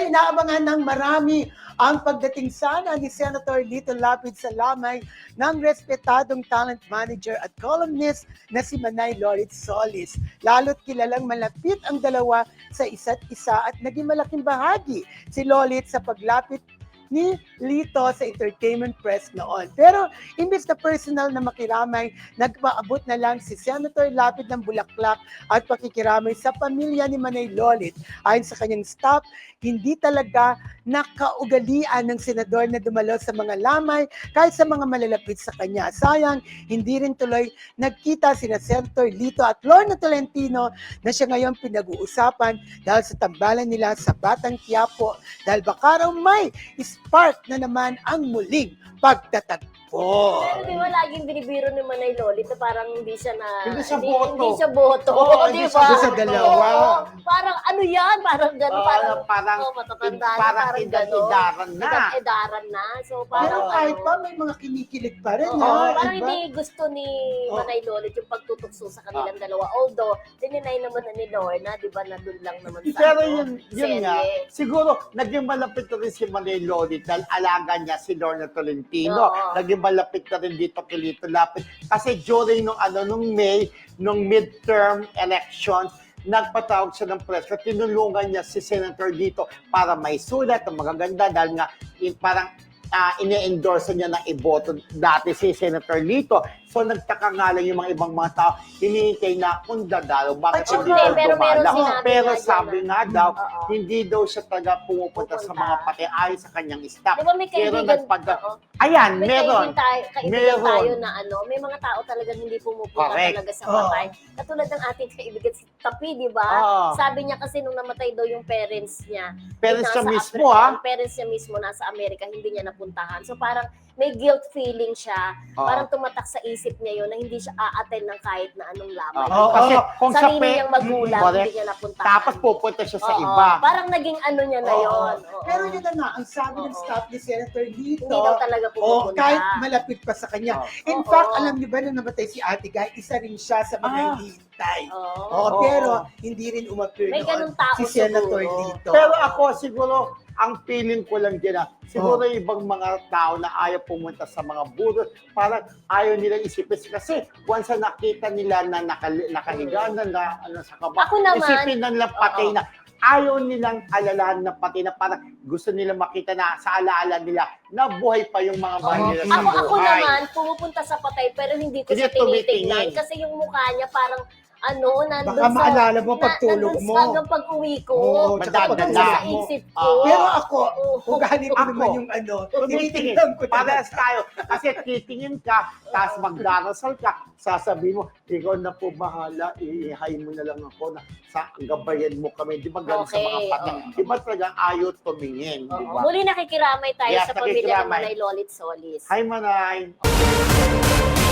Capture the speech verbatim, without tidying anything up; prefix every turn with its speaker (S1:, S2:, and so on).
S1: inaabangan ng marami ang pagdating sana ni Senator Lito Lapid sa lamay ng respetadong talent manager at columnist na si Manay Lorit Solis. Lalo't kilalang malapit ang dalawa sa isa't isa at naging malaking bahagi si Lolit sa paglapit ni Lito sa entertainment press noon. Pero imbes na personal na makiramay, nagpaabot na lang si Senator Lapid ng bulaklak at pakikiramay sa pamilya ni Manay Lolit. Ayon sa kanyang staff, hindi talaga nakaugalian ng senador na dumalo sa mga lamay kahit sa mga malalapit sa kanya. Sayang, hindi rin tuloy nagkita sina Senator Lito at Lorna Tolentino na siya ngayon pinag-uusapan dahil sa tambalan nila sa Batang Quiapo dahil baka raw may spark na naman ang muling pagtatagpo.
S2: Pero di ba laging binibiro ni Manay Lolit na parang hindi siya na...
S3: Hindi siya boto.
S2: Hindi siya boto.
S1: Oo,
S2: di
S1: hindi
S2: ba?
S1: siya sa dalawa.
S2: Oo, parang ano yan? Parang gano'n.
S3: Oo,
S2: parang,
S3: parang-
S2: oh, matatanda na,
S3: parang
S2: parang
S3: edad-edaran
S2: gano'n.
S3: na.
S2: Edad-edaran na. So parang
S1: Pero kahit
S2: ano,
S1: pa may mga kinikilig pa rin.
S2: Oo,
S1: ha?
S2: parang
S1: Diba?
S2: hindi gusto ni
S1: Oo.
S2: Manay Lolit yung pagtutukso sa
S3: Ah.
S2: kanilang dalawa. Although, dininay naman na ni Lorna, di ba, na doon lang naman sa
S3: Pero
S2: ano,
S3: yun, yun nga,
S2: serye.
S3: siguro naging malapit na rin si Manay Lolit dahil alaga niya si Lorna Tolentino.
S2: Oo.
S3: Naging malapit na rin dito kay Lito Lapid. Kasi during nung, ano, nung May, nung midterm elections, nagpatawag siya ng press at tinulungan niya si Senator dito para may sulat na magaganda dahil nga in, parang uh, ine-endorse niya na iboto dati si Senator Lito. So nagtaka nga lang yung mga ibang mga tao, hinihintay na kung dadalo, bakit
S1: Ay,
S3: hindi
S2: okay,
S3: daw
S2: pero meron
S3: dumalaw?
S2: sinabi
S3: Pero
S2: nga dyan
S3: sabi
S2: na-
S3: nga daw,
S2: Oo.
S3: hindi daw siya talaga pumupunta sa
S2: Pupunta.
S3: mga pati ayon sa kanyang staff.
S2: Di ba may
S3: Pero
S2: kaibigan,
S3: nagpag-
S2: oo.
S3: Ayan,
S2: May
S3: meron.
S2: kaibigan tayo, kaibigan
S3: Meron.
S2: tayo na ano, may mga tao talagang hindi pumupunta
S3: Correct.
S2: talaga sa
S1: Oo.
S2: patay. Katulad ng ating kaibigan si Tapi, di ba?
S3: Oo.
S2: Sabi niya kasi nung namatay daw yung parents niya,
S3: Parents
S2: nasa
S3: siya mismo,
S2: Afri-
S3: ha?
S2: ang parents niya mismo nasa Amerika, hindi niya napuntahan. So parang may guilt feeling siya,
S3: Oo.
S2: parang tumatak sa isip niya yun na hindi siya a-attend ng kahit na anong lamay.
S3: Oo. Kasi kung sa
S2: sarili
S3: pe-
S2: niyang magulang,
S3: Correct.
S2: hindi niya napuntahan.
S3: Tapos pupunta siya sa
S2: Oo.
S3: iba.
S2: Parang naging ano niya na
S1: Oo.
S2: yun. Oo.
S1: Pero yun na nga, ang sabi ng
S2: Oo.
S1: staff ni Senator Lito,
S2: Hindi daw talaga
S1: oh,
S2: pumupunta.
S1: kahit malapit pa sa kanya.
S3: Oo.
S1: In
S2: Oo.
S1: fact, alam niyo ba nung namatay si Ate Guy, isa rin siya sa mga
S3: Ah.
S1: hinihintay.
S2: Oo.
S1: Oo,
S3: Oo.
S1: pero hindi rin umapir
S2: May
S1: noon
S2: ganung tao
S1: si Senator
S2: siguro.
S1: Lito.
S3: Pero ako siguro, ang feeling ko lang din na siguro
S1: Oh.
S3: yung ibang mga tao na ayaw pumunta sa mga burol, parang ayaw nilang isipin. Kasi once na nakita nila na naka, nakahiga na, na ano, sa kaba,
S2: Ako naman,
S3: isipin na nila patay
S2: oo.
S3: na. Ayaw nilang alalahan na pati na parang gusto nila makita na sa alaala nila na buhay pa yung mga mahal
S2: Oo.
S3: nila sa
S2: Ako, ako
S3: buhay.
S2: naman, pumupunta sa patay pero hindi ko
S3: Hindi
S2: siya tinitingnan.
S3: tumitingin.
S2: Kasi yung mukha niya parang ano, nandun
S1: Baka
S2: sa...
S1: maalala mo pagtulog
S2: nandun
S1: mo.
S2: sa hanggang pag-uwi ko.
S1: Oo,
S3: tsaka
S2: Nandun
S3: pagdala
S2: sa
S1: mo.
S2: isip ko.
S3: Ah.
S1: Pero ako,
S2: Oo.
S1: kung ganito
S3: Ako,
S1: naman yung ano,
S3: Tumitingin.
S1: tinitingnan ko
S3: Parehas
S1: talaga.
S3: tayo. Kasi titingin ka, tapos magdarasal ka, sasabihin mo, ikaw na po bahala, iihay mo na lang ako na sa gabayan mo kami. Di ba ganun sa mga
S2: Okay,
S3: patay?
S2: oo.
S3: Di ba talagang ayaw tumingin? Di
S2: Oo.
S3: ba?
S2: Muli nakikiramay tayo
S3: Yes,
S2: sa pamilya ng
S3: nakikiramay.
S2: Manay Lolit Solis.
S3: Hi, Manay!